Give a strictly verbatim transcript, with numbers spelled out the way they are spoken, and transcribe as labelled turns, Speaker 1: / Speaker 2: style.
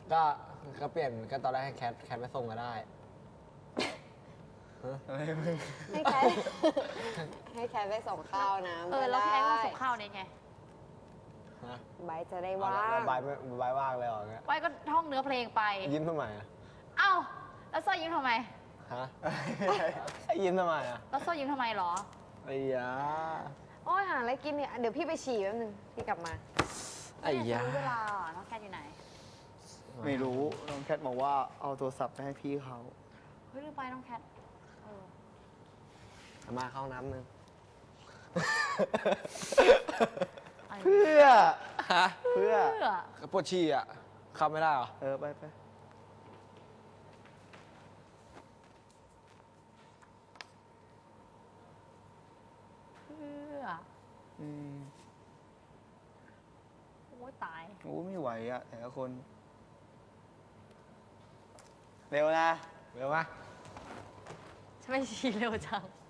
Speaker 1: ก็ก็เปลี่ยนก็ตอนแรกให้แคทแคทไปส่งก็ได้
Speaker 2: ให้แคทให้แคทไปส่งข้าวนะ
Speaker 3: เออแล้วแคทก็ส่งข้าวเนี่ยไง
Speaker 2: ใบจะได้ว่าง
Speaker 1: ใบไม่ใบว่างเลยเหรอเงี้ย
Speaker 3: ไว้ก็ท่องเนื้อเพลงไป
Speaker 1: ยิ้มทำไมอ่ะ
Speaker 3: เอ้าแล้วโซ่ยิ้มทำไม
Speaker 1: ฮะยิ้มทำไมอ่ะ
Speaker 3: แล้วโซ่ยิ้มทำไมหรอ
Speaker 1: ไอ้ยา
Speaker 2: โอ้ยหาอะไรกินเนี่ยเดี๋ยวพี่ไปฉี่แป๊บนึงพี่กลับมา
Speaker 1: ไอ้ยา
Speaker 3: เวลาน้องแคทอยู่ไหน
Speaker 4: ไม่รู้น้องแคทบอกว่าเอาโทรศัพท์ไปให้พี่เขา
Speaker 3: เฮ้ยลืมไปน้องแคท
Speaker 1: มาเข้าน้ำนึง
Speaker 4: เพื่อ
Speaker 1: ฮะ
Speaker 4: เพื่อ
Speaker 1: ปวดฉี่อ่ะเข้าไม่ได้เหรอ
Speaker 4: เออไปไป
Speaker 3: เพื่อ
Speaker 4: อืม
Speaker 3: โอ้ยตาย
Speaker 4: โอ้ไม่ไหวอ่ะแต่ละคนเร็วนะ
Speaker 1: เร็วไหม
Speaker 3: ทำไมฉี่เร็วจัง